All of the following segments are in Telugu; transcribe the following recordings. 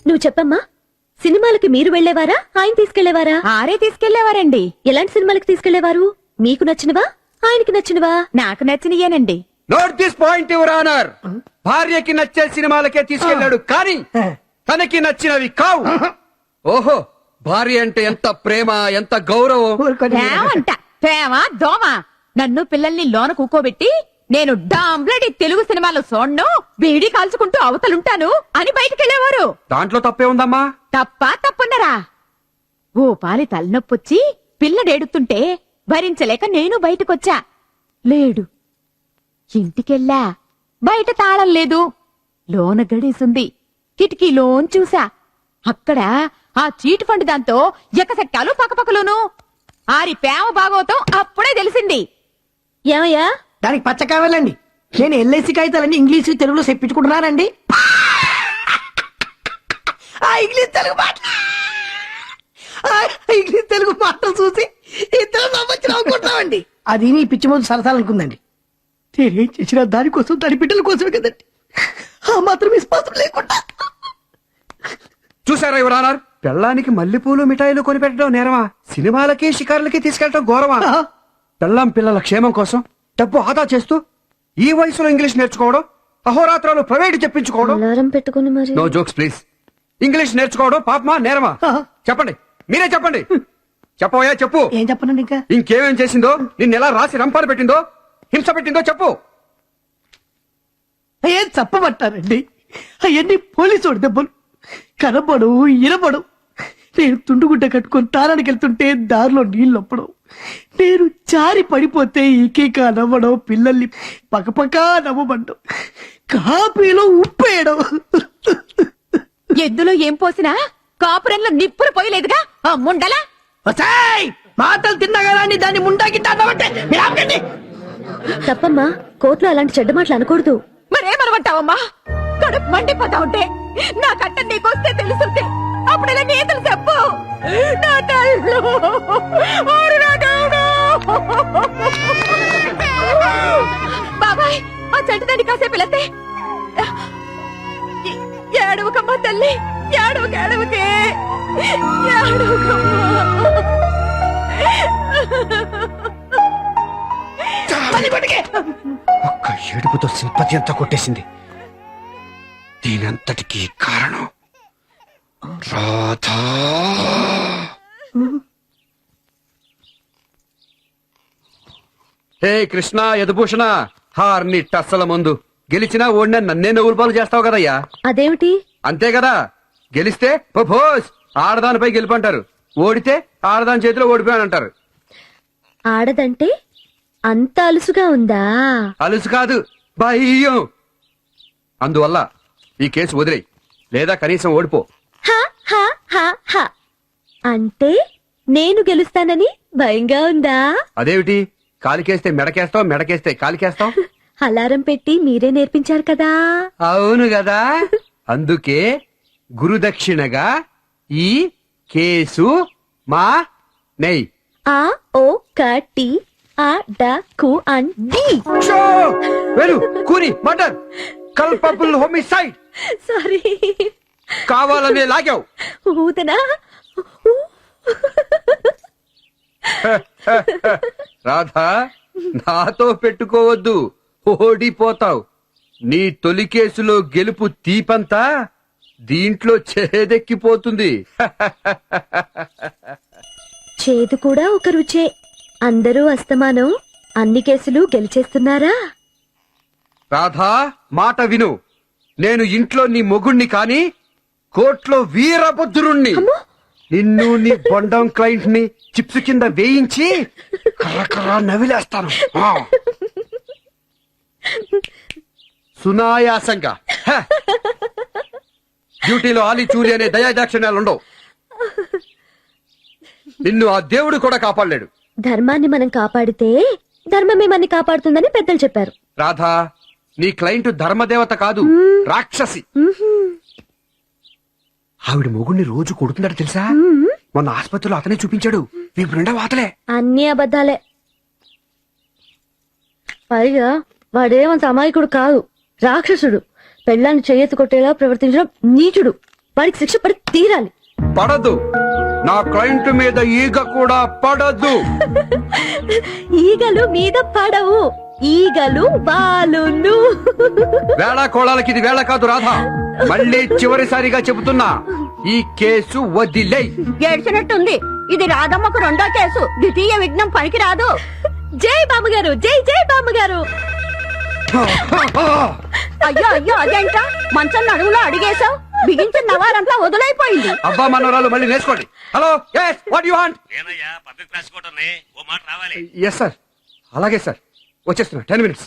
నువ్వు చెప్పమ్మా, సినిమాలకి మీరు వెళ్లేవారా, ఆయన తీసుకెళ్లేవారా? ఆరే తీసుకెళ్లేవారండి. ఎలాంటి సినిమాలకి తీసుకెళ్లేవారు? మీకు నచ్చినవా, ఆయనకి నచ్చినవా? నాకు నచ్చినయేనండి. Note this point your honour. భార్యకి నచ్చే సినిమాలకే తీసుకెళ్లాడు, కానీ తనకి నచ్చినవి కావు. ఓహో, భార్య అంటే ఎంత ప్రేమ, ఎంత గౌరవం. ప్రేమంట ప్రేమ దోమ. నన్ను పిల్లల్ని లోన కూకోబెట్టి నేను డాంబ్లడి తెలుగు సినిమాలో చూడను, బీడీ కాల్చుకుంటూ అవతలుంటాను అని బయటికెళ్లేవారు. దాంట్లో తప్పే ఉందమ్మా? తప్పున్నరా? ఓ పాలి తలనొప్పొచ్చి పిల్లడేడుతుంటే భరించలేక నేను బయటకొచ్చా. లేడు. ఇంటికెళ్ళా. బయట తాళం లేదు. లోన గడేసుంది. కిటికీలోన్ చూసా. అక్కడ ఆ చీట్ ఫండ్ దాంతో ఎకసెట్టాలు పక్కపక్కలోను. ఆరి ప్రేమ భాగవతం అప్పుడే తెలిసింది. ఏమయ్యా? దానికి పచ్చ కావాలండి. నేను ఎల్ఐసి కాగితాలన్నీ ఇంగ్లీషు తెలుగులో చెప్పించుకుంటున్నానండి. ఇంగ్లీష్ తెలుగు మాటలు చూసి ఇద్దరు నవ్వుకుంటున్నామండి. అది నీ పిచ్చి ముందు సరసాలనుకుందండి. నేనేం చేసినా దానికోసం, దాని బిడ్డల కోసమే కదండి. ఆ మాత్రం విశ్వాసం లేకుండా. చూసారా యువర్ ఆనర్, పెళ్ళానికి మల్లెపూలు మిఠాయిలు కొనిపెట్టడం నేరమా, సినిమాలకి షికారులకి తీసుకెళ్లడం గౌరవమా? పెళ్ళాం పిల్లల క్షేమం కోసం డబ్బు ఆదా చేస్తూ ఈ వయసులో ఇంగ్లీష్ నేర్చుకోవడం, అహోరాత్రాలు ప్రైవేట్ చెప్పించుకోవడం. అలారం పెట్టుకుని మరి. No jokes please. ఇంగ్లీష్ నేర్చుకోవడం పాపమా నేరమా? చెప్పండి, మీరే చెప్పండి. చెప్పవయ్యా, చెప్పు. ఏం చెప్పనండి ఇంకా? ఇంకేమేం చేసిందో, నిన్నెలా రాసి రంపాలు పెట్టిందో, హింస పెట్టిందో చెప్పు. ఏం చెప్పమంటారండి? అవన్నీ పోలీసు దెబ్బలు. కనబడు, ఇనబడు. నేను తుండుగుడ్డ కట్టుకొని తారానికి వెళ్తుంటే దారిలో నీళ్ళు ఒప్పడం, నేను జారి పడిపోతే ఈకేక నవ్వడం, పిల్లల్ని పక్కపక్క నవ్వబడ్డం, కాపీలో ఉప్పేయడం. ఎద్దులో ఏం పోసినా కాపురంలో నిప్పులు పోయలేదుగా ఆ ముండలా. మాటలు తిన్నగాని దాన్ని ముండాకి అన్నామంటే తప్పమ్మా, కోర్టులో అలాంటి చెడ్డ మాటలు అనకూడదు. మరేమనమంటావమ్మా? కడుపు మండిపోతా ఉంటే నా కట్ట నీకొస్తే తెలుసుంటే అప్పుడెలా నీతులు చెప్పు. నా తల్లు, ఓరి నా దేవుడు. బాబాయ్, ఆ చెట్టు దాన్ని కాసేపు వెళతే ఏడవకమ్మా తల్లి, ఏడవకే ఏడవకమ్మా. ఒక్క ఏడుపుతో సింపతి అంతా కొట్టేసింది. దీనంతటికీ కారణం రాధా. హే కృష్ణ యదుభూషణ, హార్ని టస్సల ముందు గెలిచినా ఓడినా నన్నే నవ్వులు పాలు చేస్తావు కదయ్యా. అదేమిటి? అంతే కదా, గెలిస్తే భోజ్ ఆడదానిపై గెలుపంటారు, ఓడితే ఆడదాని చేతిలో ఓడిపోయానంటారు. ఆడదంటే అంత అలుసుగా ఉందా? అలుసు కాదు, భయం. అందువల్ల ఈ కేసు వదిలేయి, లేదా కనీసం ఓడిపో. హా, హా, హా, హా. అంటే నేను గెలుస్తానని భయంగా ఉందా? అదేమిటి, కాలికేస్తే మెడకేస్తావు, మెడకేస్తే కాలికేస్తావు. అలారం పెట్టి మీరే నేర్పించారు కదా. అవును కదా, అందుకే గురుదక్షిణగా ఈ కేసు మా నెయ్. ఆ ఓ కటి ఆ డ కు అన్ డి. వెరు కూని మర్డర్, కల్పబుల్ హోమిసైడ్. సారీ, కావాలనే లాగావు. ఊదనా? రాధా, నాతో పెట్టుకోవద్దు, ఓడిపోతావు. నీ తొలి కేసులో గెలుపు తీపంతా దీంట్లో చేదెక్కిపోతుంది. చేదు కూడా ఒక రుచే. అందరూ అస్తమానం అన్ని కేసులు గెలిచేస్తున్నారా? రాధా, మాట విను. నేను ఇంట్లో నీ మొగుణ్ణి కాని కోర్టులో వీరభద్రుణ్ణి. నిన్ను నీ బొండం క్లయింట్ ని చిప్స్ కింద వేయించి కర్రకర్ర నవిలేస్తాను. సునాయాసంగా. డ్యూటీలో ఆలి చూలి అనే దయాదాక్షిణ్యాలుండవు. నిన్ను ఆ దేవుడు కూడా కాపాడలేడు. ధర్మాన్ని మనం కాపాడితే ధర్మమే మనని కాపాడుతుందని పెద్దలు చెప్పారు. రాధా, నీ క్లయింట్ ధర్మదేవత కాదు, రాక్షసి. ఆవిడ మొగుడిని రోజు కొడుతున్నాడు తెలుసా? మొన్న ఆసుపత్రిలో అతనే చూపించాడు. వీపు నిండా వాతలే. అన్ని అబద్ధాలే. పైగా వాడేమంత అమాయకుడు కాదు, రాక్షసుడు. పెళ్ళాన్ని చెయ్యెత్తి కొట్టేలా ప్రవర్తించడం నీచుడు. వాడికి శిక్ష పడి తీరాలి. పడదు. నా క్లయింట్ మీద ఈగ కూడా పడదు. ఈగలు మీద పడవు, ఈగలు బాలును. వేళ కోళాలకి ఇది వేళ కాదు రాధా. మళ్ళీ చివరిసారిగా చెబుతున్నా, ఈ కేసు వదిలేయ్. ఏడ్చినట్టుంది. ఇది రాధమ్మకు రెండో కేసు. ద్వితీయ విఘ్నం పనికి రాదు. జై బామ్మగారు, జై జై బామ్మగారు. అయ్యో అయ్యో అదేంట మంచం నడుములో అడిగేశావు. బిగించిన నవారంతా వదులైపోయింది. అబ్బా మనోరాలు మళ్ళీ నేర్చుకోండి. Hello, yes, what do you want? ఏనయ్యా పబ్లిక్ రాసుకోవటం ఓ మాట రావాలి. ఎస్ సార్, అలాగే సార్, వచ్చేస్తున్నా. 10 minutes.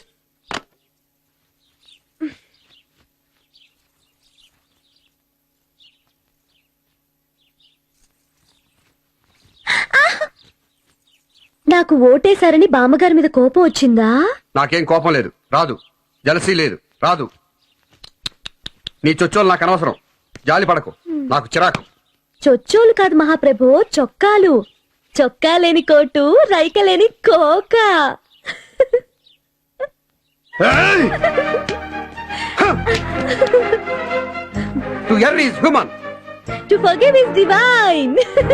నాకు ఓటేశారని బామ్మగారి మీద కోపం వచ్చిందా? నాకేం కోపం లేదు, రాదు. జలసీ లేదు, రాదు. నీ చొచ్చోలు నాకు అనవసరం. జాలి పడకు, నాకు చిరాకు. చొచ్చోలు కాదు మహాప్రభు, చొక్కాలు. చొక్కా లేని కోటు, రైక లేని కోక. To err is human. To forgive is divine.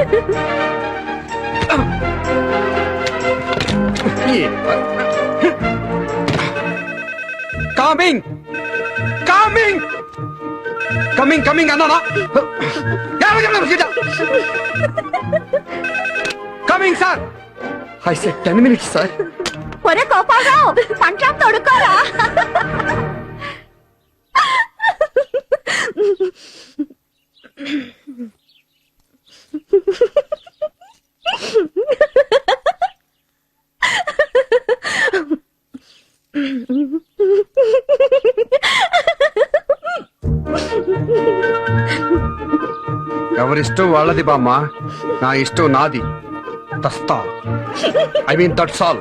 Coming coming coming coming అన్నానా? Coming sir. I said 10 minutes sir. ఒరే కోపారావు, పంచం తొడుక్కోరా. ఎవరిష్టం వాళ్ళది బామ్మ, నా ఇష్టం నాది. తస్తా, ఐ మీన్ దట్స్ ఆల్.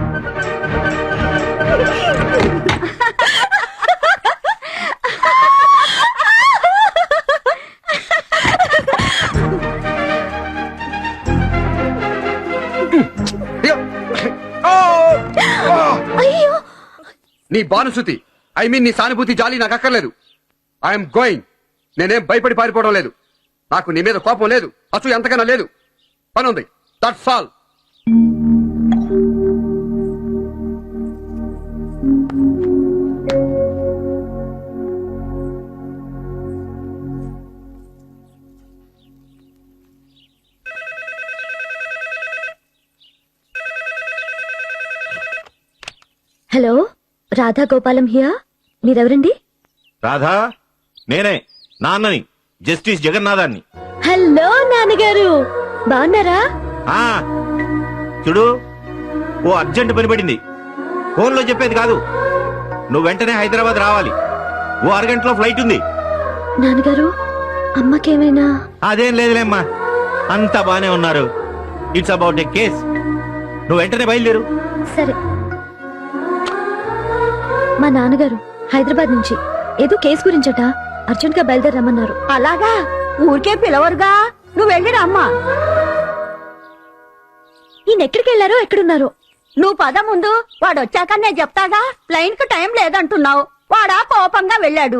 అయ్యో, నీ బానుసుతి, ఐ మీన్ నీ సానుభూతి, జాలి నాకు అక్కర్లేదు. I'm going. నేనేం భయపడి పారిపోవడం లేదు. నాకు నీ మీద కోపం లేదు, అసలు ఎంతకన్నా లేదు. పని ఉంది, that's all. Hello, Radha Gopalam here. మీరెవరండి? రాధా, నేనే నాన్నని, జస్టిస్ జగన్నాథాన్ని. హలో నాన్నగారు, బాగున్నారా? ఆ చూడు, ఓ అర్జెంట్ పని పడింది. ఫోన్లో చెప్పేది కాదు. నువ్వు వెంటనే హైదరాబాద్ రావాలి. ఓ అరగంటలో ఫ్లైట్ ఉంది. నాన్నగారు, అమ్మకేమైనా? అదేం లేదులేమ్మా, అంతా బానే ఉన్నారు. It's about a case. నువ్వు వెంటనే బయలుదేరు. సరే. మా నాన్నగారు హైదరాబాద్ నుంచి ఏదో కేసు గురించట అర్జెంట్ గా బయలుదేరమ్మన్నారు. అలాగా, ఊరికే పిలవరుగా. నువ్వు వెళ్ళిరా అమ్మా. ఈయన ఎక్కడికి వెళ్ళారో, ఎక్కడున్నారో? నువ్వు పద ముందు. వాడు వచ్చాక నేను చెప్తాగా. ప్లైన్ కు టైం లేదంటున్నావు. వాడా కోపంగా వెళ్ళాడు.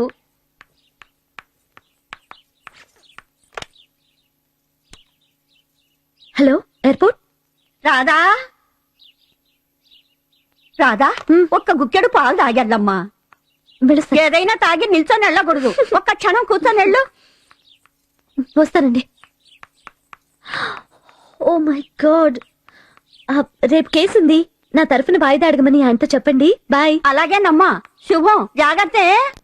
Hello, airport. రాధా, రాధా, ఒక్క గుక్కెడు పాలు తాగెళ్ళమ్మా. వెళ్ళొస్తా. ఏదైనా తాగి నిల్చొని వెళ్ళకూడదు. ఒక్క క్షణం కూర్చొని వెళ్ళు. వస్తానండి. ఓ మై గాడ్, రేపు కేసు ఉంది. నా తరఫున వాయిదా అడగమని ఆయనతో చెప్పండి. బాయ్. అలాగేనమ్మా. శుభం. జాగ్రత్త.